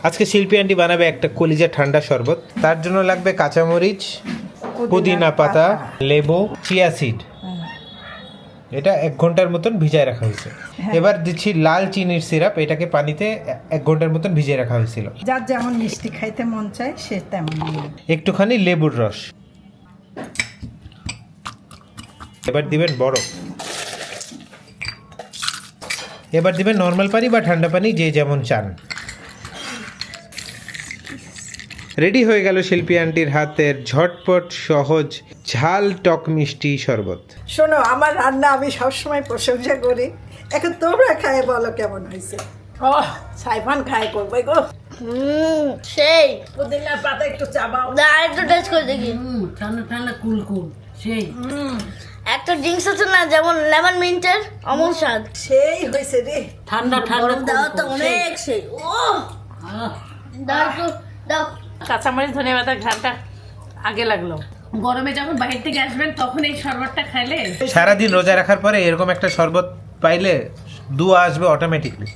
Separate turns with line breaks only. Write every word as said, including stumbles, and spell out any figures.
আজকে শিল্পী আন্টি বানাবে একটা কলিজা ঠান্ডা শরবত। তার জন্য লাগবে কাঁচামরিচ, পুদিনা পাতা, লেবু, চিয়া সিড। এটা এক ঘন্টার মতন ভিজায় রাখা হয়েছে। এবার দিচ্ছি লাল চিনির সিরাপ, এটাকে পানিতে এক ঘন্টার মতন ভিজিয়ে রাখা হয়েছিল।
যার যেমন মিষ্টি খাইতে মন চায় সে তেমন।
একটুখানি লেবুর রস। এবার দিবেন বরফ। এবার দিবেন নর্মাল পানি বা ঠান্ডা পানি, যে যেমন চান। রেডি হয়ে গেল শিল্পী আন্টির হাতের ঝটপট সহজ ঝাল টক মিষ্টি শরবত।
শোনো, আমার রান্না আমি সবসময় প্রশংসা করি, এখন তোমরা খায় বলো কেমন হয়েছে। ও সাইফান খায় করবে গো।
হুম সেই
পুদিনার পাতা একটু চাবাও।
না একটু টেস্ট করে দেখি।
হুম ঠান্ডা ঠান্ডা কুল কুল সেই
একটা ড্রিঙ্কস আছে না, যেমন লেমন মিন্টের অমল স্বাদ।
সেই হয়েছে রে।
ঠান্ডা ঠান্ডা
গরম দেওয়া তো অনেক সেই। ও দাও তো দাও।
কাঁচামরিচ ধনিয়া পাতার ঘ্রাণটা আগে লাগলো।
গরমে যখন বাইরে থেকে আসবেন তখন এই শরবতটা খাইলে
সারাদিন রোজা রাখার পরে এরকম একটা শরবত পাইলে দুয়া আসবে অটোমেটিকলি।